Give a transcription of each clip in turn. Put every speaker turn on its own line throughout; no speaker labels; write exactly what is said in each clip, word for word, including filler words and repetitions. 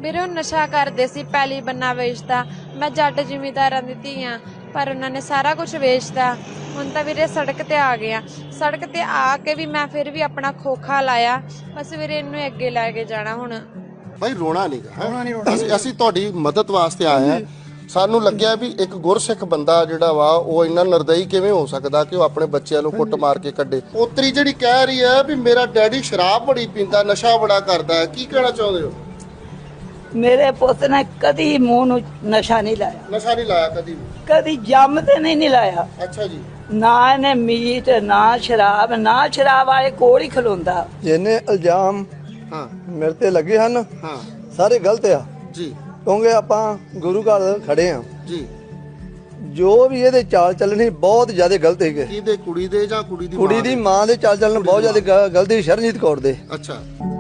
ਵੀਰੇ ਉਹ ਨਸ਼ਾ ਕਰਦੇ ਸੀ, ਪੈਲੀ ਬੰਨਾ ਵੇਚਦਾ। ਮੈਂ ਜੱਟ ਜ਼ਿਮੀਂਦਾਰਾਂ ਦੀ ਧੀ ਆਂ, ਪਰ ਉਹਨਾਂ ਨੇ ਸਾਰਾ ਕੁਝ ਵੇਚਤਾ। ਹੁਣ ਤਾਂ ਵੀਰੇ ਸੜਕ ਤੇ ਆ ਗਿਆ। ਸੜਕ ਤੇ ਆ ਕੇ ਵੀ ਮੈਂ ਫਿਰ ਵੀ ਆਪਣਾ ਖੋਖਾ ਲਾਇਆ, ਬਸ ਵੀਰੇ ਇਹਨੂੰ ਅੱਗੇ ਲੈ ਕੇ ਜਾਣਾ। ਹੁਣ
ਭਾਈ ਰੋਣਾ ਨਹੀਂਗਾ, ਅਸੀਂ ਅਸੀਂ ਤੁਹਾਡੀ ਮਦਦ ਵਾਸਤੇ ਆਏ ਹਾਂ। ਸਾਨੂੰ ਲੱਗਿਆ ਵੀ ਇੱਕ ਗੁਰਸਿੱਖ ਬੰਦਾ ਜਿਹੜਾ ਵਾ ਉਹ ਇੰਨਾ ਨਿਰਦਈ ਕਿਵੇਂ ਹੋ ਸਕਦਾ ਕਿ ਉਹ ਆਪਣੇ ਬੱਚਿਆਂ ਨੂੰ ਕੁੱਟ ਮਾਰ ਕੇ ਕੱਢੇ। ਪੋਤਰੀ ਜਿਹੜੀ ਕਹਿ ਰਹੀ ਹੈ ਵੀ ਮੇਰਾ ਡੈਡੀ ਸ਼ਰਾਬ ਬੜੀ ਪੀਂਦਾ, ਨਸ਼ਾ ਬੜਾ ਕਰਦਾ ਹੈ, ਕੀ ਕਹਿਣਾ ਚਾਹੁੰਦੇ ਹੋ?
ਮੇਰੇ ਪੁੱਤ ਨੇ ਕਦੀ ਮੂੰਹ ਨੂੰ ਨਸ਼ਾ ਨਹੀਂ ਲਾਇਆ।
ਨਸ਼ਾ ਨਹੀਂ ਲਾਇਆ ਕਦੀ ਵੀ?
ਕਦੀ ਜੰਮ ਤੇ ਨਹੀਂ ਨਹੀਂ ਲਾਇਆ।
ਅੱਛਾ ਜੀ।
ਨਾ ਇਹਨੇ ਮੀਟ, ਨਾ ਸ਼ਰਾਬ, ਨਾ ਸ਼ਰਾਬ ਵਾਲੇ ਕੋਲ ਹੀ ਖਲੋਂਦਾ।
ਜਿੰਨੇ ਇਲਜ਼ਾਮ
ਹਾਂ
ਮੇਰੇ ਤੇ ਲੱਗੇ ਹਨ
ਹਾਂ
ਸਾਰੇ ਗਲਤ ਆ
ਜੀ,
ਕਿਉਂਕਿ ਆਪਾਂ ਗੁਰੂ ਘਰ ਖੜੇ ਆ
ਜੀ।
ਜੋ ਵੀ ਇਹਦੇ ਚਾਲ ਚੱਲਣੀ ਬਹੁਤ ਜ਼ਿਆਦਾ ਗਲਤ ਹੈਗੇ।
ਕਿਹਦੇ? ਕੁੜੀ ਦੇ ਜਾਂ ਕੁੜੀ ਦੀ
ਕੁੜੀ ਦੀ ਮਾਂ ਦੇ ਚਾਲ ਚੱਲਣ ਬਹੁਤ ਜ਼ਿਆਦਾ ਗ- ਗਲਤ ਸੀ, ਸ਼ਰਨਜੀਤ ਕੌਰ ਦੇ।
ਅੱਛਾ।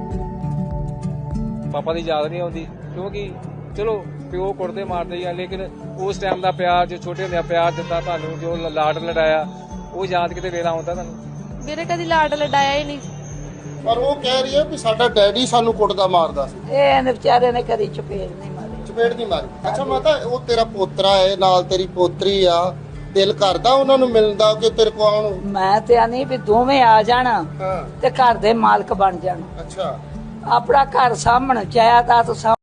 ਪਾਪਾ ਦੀ ਯਾਦ ਨਹੀਂ ਆਉਂਦੀ ਕਿਉਂਕਿ ਚਲੋ ਪਿਓ ਕੁੱਟਦੇ ਮਾਰਦੇ ਆ, ਲੇਕਿਨ ਉਸ ਟਾਈਮ ਦਾ ਪਿਆਰ, ਜੋ ਛੋਟੇ ਹੁੰਦਿਆਂ ਪਿਆਰ ਦਿੱਤਾ ਤੁਹਾਨੂੰ, ਜੋ ਲਾਡ ਲੜਾਇਆ, ਉਹ ਯਾਦ ਕਿਤੇ ਵੇਲਾ ਆਉਂਦਾ ਤੁਹਾਨੂੰ?
ਵੀਰੇ ਕਦੀ ਲਾਡ ਲਡਾਇਆ ਹੀ ਨਹੀਂ।
ਪਰ ਉਹ ਕਹਿ ਰਹੀ ਹੈ ਵੀ ਸਾਡਾ ਡੈਡੀ ਸਾਨੂੰ ਕੁੱਟਦਾ ਮਾਰਦਾ ਸੀ।
ਇਹ ਇਹਨੇ ਵਿਚਾਰੇ ਨੇ ਕਦੀ ਚਪੇੜ ਨਹੀਂ ਮਾਰੀ।
ਚਪੇੜ ਨਹੀਂ ਮਾਰੀ? ਅੱਛਾ ਮਾਤਾ, ਉਹ ਤੇਰਾ ਪੋਤਰਾ ਹੈ, ਨਾਲ ਤੇਰੀ ਪੋਤਰੀ ਆ, ਦਿਲ ਕਰਦਾ ਉਹਨਾਂ ਨੂੰ ਮਿਲਣ ਦਾ ਕਿ ਤੇਰੇ ਕੋਲ ਆਉਣ?
ਮੈਂ ਤੇ ਆਨੀ ਵੀ ਦੋਵੇਂ ਆ ਜਾਣ
ਹਾਂ।
ਤੇ ਘਰ ਦੇ ਮਾਲਕ ਬਣ ਜਾਣ,
ਅੱਛਾ।
ਆਪਣਾ ਘਰ ਸਾਂਭਣ, ਜਾਇਦਾਦ ਸਾਂਭ